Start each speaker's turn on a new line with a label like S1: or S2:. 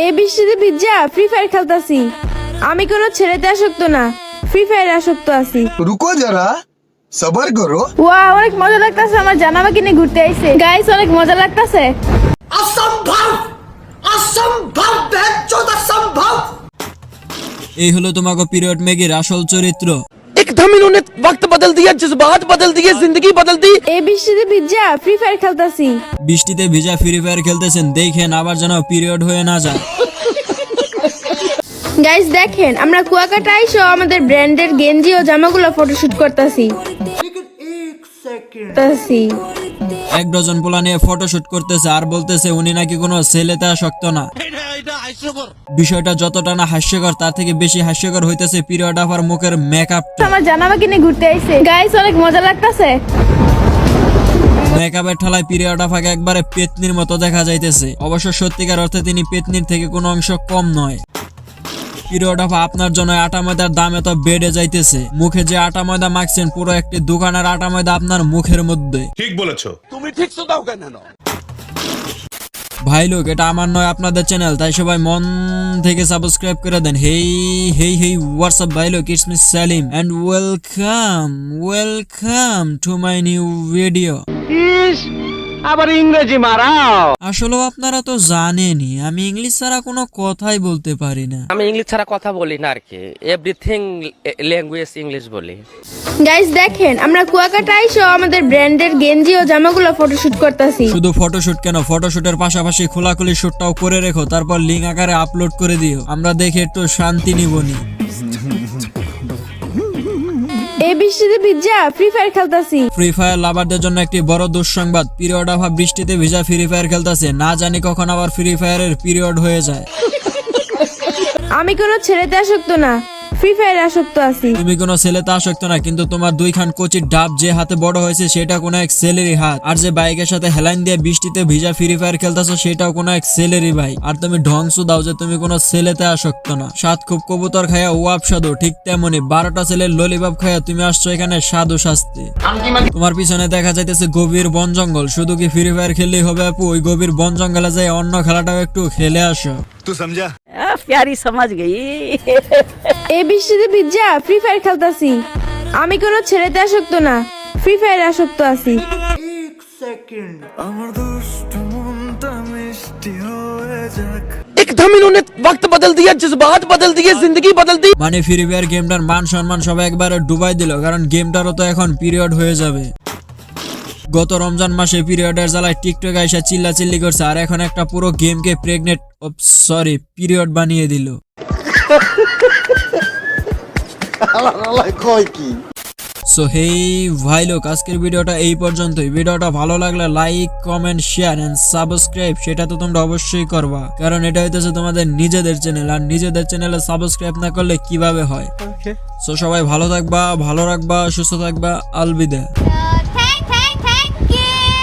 S1: এই বৃষ্টিতে ভিজা ফ্রি ফায়ার খেলতাছি। আমি কোনো ছেলেতে আসক্ত না, ফ্রি ফায়ারে আসক্ত আছি।
S2: रुको जरा सबर करो।
S1: ওয়া অনেক মজা লাগতাছে, আমার জানামা কিনে ঘুরতে আইছে। গাইস অনেক মজা লাগতাছে।
S2: असंभव असंभव बेचौद असंभव।
S3: এই হলো তোমাকে পিরিয়ড ম্যাগির আসল চরিত্র।
S4: एकदम इन्होंने वक्त बदल दिया, जज्बात बदल दिए, जिंदगी बदल दी।
S1: এই বৃষ্টিতে ভিজা ফ্রি ফায়ার খেলতাছি।
S3: বৃষ্টিতে ভিজা ফ্রি ফায়ার খেলতেছেন, দেখেন আবার যেন পিরিয়ড হয়ে না যায়।
S1: গাইস দেখেন, আমরা কুয়াকাটা আইসো আমাদের ব্র্যান্ডের গেঞ্জি ও জামাগুলো ফটোশুট করতাছি।
S3: এক ডজন পোলা নিয়ে ফটোশুট করতেছে আর বলতেছে উনি নাকি কোনো ছেলেতে আসক্ত না। বিষয়টা যতটা না হাস্যকর তার থেকে বেশি হাস্যকর হইতেছে পিরিয়ড আফার মুখের মেকআপ।
S1: আমার জানামা কিনে ঘুরতে আইছে। গাইস অনেক মজা লাগতাছে।
S3: মেকআপের ঠালায় পিরিয়ড আফাকে একবারে পেতনির মতো দেখা যাইতেছে। অবশ্য সত্যিকার অর্থে তিনি পেতনির থেকে কোনো অংশ কম নয়। পিরিয়ড আফা আপনার জন্য আটা ময়দার দাম এত বেড়ে যাইতেছে। মুখে যে আটা ময়দা মাখছেন পুরো একটি দোকানের আটা ময়দা আপনার মুখের মধ্যে।
S5: ঠিক বলেছো।
S4: তুমি ঠিক শোনাও কেন?
S3: ভাই লোক, এটা আমার নয় আপনাদের চ্যানেল, তাই সবাই মন থেকে সাবস্ক্রাইব করে দেন। হেই হেই হেই হোয়াটসঅ্যাপ ভাই লোক, it's me Salim and welcome to my new video.
S4: আবার ইংরেজি মারাও।
S3: আসলে আপনারা তো জানেনই আমি ইংলিশ ছাড়া কোনো কথাই বলতে পারি না।
S6: আমি ইংলিশ ছাড়া কথা বলি না আর কি, এভরিথিং ল্যাঙ্গুয়েজ ইংলিশ বলি।
S1: গাইস দেখেন, আমরা কুয়াকাটা আইসো আমাদের ব্র্যান্ডের গেঞ্জি ও জামাগুলো ফটোশুট করতাছি।
S3: শুধু ফটোশুট কেন, ফটোশুটের পাশাপাশি খোলাখুলি শুটটাও করে রেখো, তারপর লিঙ্ক আকারে আপলোড করে দিও, আমরা দেখে একটু শান্তি নিবনি।
S1: এই বৃষ্টিতে ভিজা ফ্রি ফায়ার খেলতাছি।
S3: ফ্রি ফায়ার লাভারদের জন্য একটি বড় দুঃসংবাদ, পিরিয়ড অফ বৃষ্টিতে ভিজা ফ্রি ফায়ার খেলতেছে, না জানি কখন আবার ফ্রি ফায়ারের পিরিয়ড হয়ে যায়।
S1: আমি কোনো ছেলেতে আসক্ত না, ফ্রি ফায়ারে আসক্ত আছি।
S3: তুমি কোনো ছেলেতে আসক্ত না, কিন্তু তোমার দুইখান কচির ডাব যে হাতে বড় হয়েছে সেটা কোনো এক ছেলেরই হাত। আর যে বাইকের সাথে হেলাইন দিয়ে বৃষ্টিতে ভিজা ফ্রি ফায়ার খেলতেছো সেটাও কোনো এক ছেলেরই ভাই। আর তুমি ঢংসু দাও যে তুমি কোনো ছেলেতে আসক্ত না। সাত খুব কবুতর খায়া ওয়াব সাধু, ঠিক তেমনি 12টা ছেলের ললিপপ খায়া তুমি আসছো এখানে সাধু শাস্তি। তোমার পিছনে দেখা যাইতেছে গভীর বন জঙ্গল, শুধু কি ফ্রি ফায়ার খেললেই হবে আপু? ওই গভীর বন জঙ্গলে যাই অন্য খেলাটাও একটু খেলে আসো।
S5: तू समझा?
S7: प्यारी समझ गई।
S1: এই বৃষ্টিতে ভিজা ফ্রি ফায়ার খেলতাছি। আমি কোনো ছেলেতে আসক্ত না, ফ্রি ফায়ারে আসক্ত আছি।
S4: एकदम इन्होंने वक्त बदल दिया, जज्बात बदल दिए, जिंदगी बदल दी।
S3: মানে ফ্রি ফায়ার গেমটার মান সম্মান সবাই একবারে ডুবাই দিল, কারণ গেমটারও তো এখন পিরিয়ড হয়ে যাবে। গত রমজান মাসে পিরিয়ডের জ্বালায় টিকটক আইসা চিল্লাচিল্লি করছে, আর এখন একটা পুরো গেমকে পিরিয়ড বানিয়ে দিল। সো হেই ভাই লোক, আজকের ভিডিওটা এই পর্যন্তই। ভিডিওটা ভালো লাগলে like comment share and subscribe সেটা তো তোমরা অবশ্যই করবা, কারণ এটা হইতেছে তোমাদের নিজেদের চ্যানেল, আর নিজেদের চ্যানেলে সাবস্ক্রাইব না করলে কিভাবে হয়। সো সবাই ভালো থাকবা, ভালো রাখবা, সুস্থ থাকবা, আলবিদা।
S8: Thank you.